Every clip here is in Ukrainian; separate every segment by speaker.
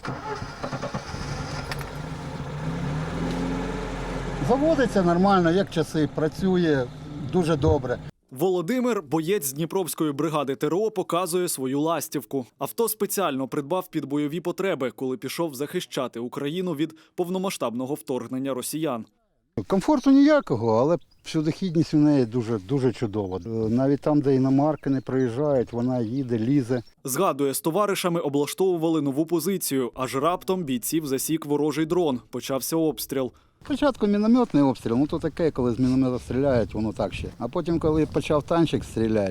Speaker 1: Заводиться нормально, як часи, працює дуже добре.
Speaker 2: Володимир, боєць Дніпровської бригади ТРО, показує свою ластівку. Авто спеціально придбав під бойові потреби, коли пішов захищати Україну від повномасштабного вторгнення росіян.
Speaker 1: Комфорту ніякого, але всюдохідність у неї дуже чудова. Навіть там, де іномарки не приїжджають, вона їде, лізе.
Speaker 2: Згадує, з товаришами облаштовували нову позицію, аж раптом бійців засік ворожий дрон. Почався обстріл.
Speaker 1: Спочатку мінометний обстріл, ну то таке, коли з міномета стріляють, воно так ще. А потім, коли почав танчик стріляти,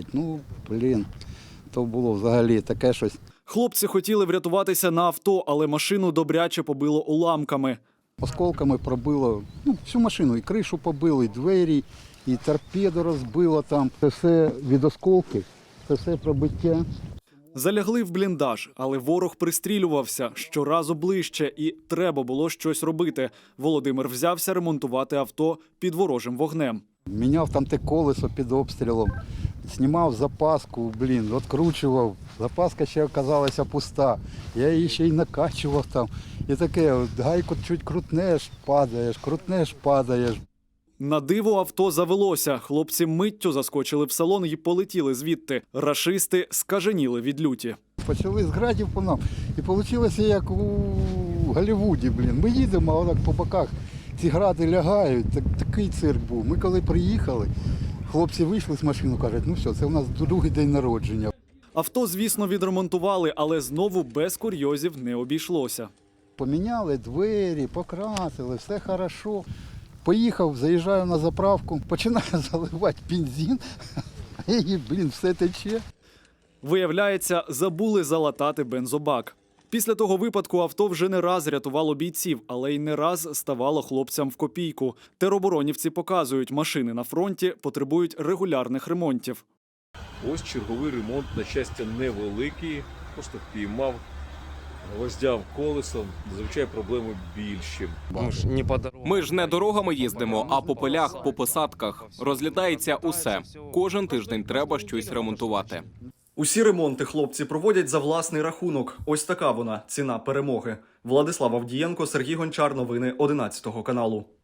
Speaker 1: то було взагалі таке щось.
Speaker 2: Хлопці хотіли врятуватися на авто, але машину добряче побило уламками.
Speaker 1: Осколками пробило всю машину, і кришу побило, і двері, і торпеду розбило там. Це все від осколків, це все пробиття.
Speaker 2: Залягли в бліндаж, але ворог пристрілювався щоразу ближче, і треба було щось робити. Володимир взявся ремонтувати авто під ворожим вогнем.
Speaker 1: Міняв там те колесо під обстрілом, знімав запаску, відкручував. Запаска ще оказалася пуста. Я її ще й накачував там. І таке, гайку чуть крутнеш, падаєш.
Speaker 2: На диво авто завелося. Хлопці миттю заскочили в салон і полетіли звідти. Рашисти скаженіли від люті.
Speaker 1: Почали з градів по нам. І вийшло як у Голлівуді. Ми їдемо, а отак по боках ці гради лягають. Такий цирк був. Ми коли приїхали, хлопці вийшли з машини, кажуть, ну все, це у нас другий день народження.
Speaker 2: Авто, звісно, відремонтували, але знову без курйозів не обійшлося.
Speaker 1: Поміняли двері, покрасили, все хорошо. Поїхав, заїжджаю на заправку, починаю заливати бензин, і, все тече.
Speaker 2: Виявляється, забули залатати бензобак. Після того випадку авто вже не раз рятувало бійців, але й не раз ставало хлопцям в копійку. Тероборонівці показують, машини на фронті потребують регулярних ремонтів.
Speaker 3: Ось черговий ремонт, на щастя, невеликий, просто впіймав, гвоздяв колесом, зазвичай проблеми більші.
Speaker 4: Ми ж не дорогами їздимо, а по полях, по посадках. Розлітається усе. Кожен тиждень треба щось ремонтувати.
Speaker 2: Усі ремонти хлопці проводять за власний рахунок. Ось така вона – ціна перемоги. Владислав Авдієнко, Сергій Гончар. Новини 11 каналу.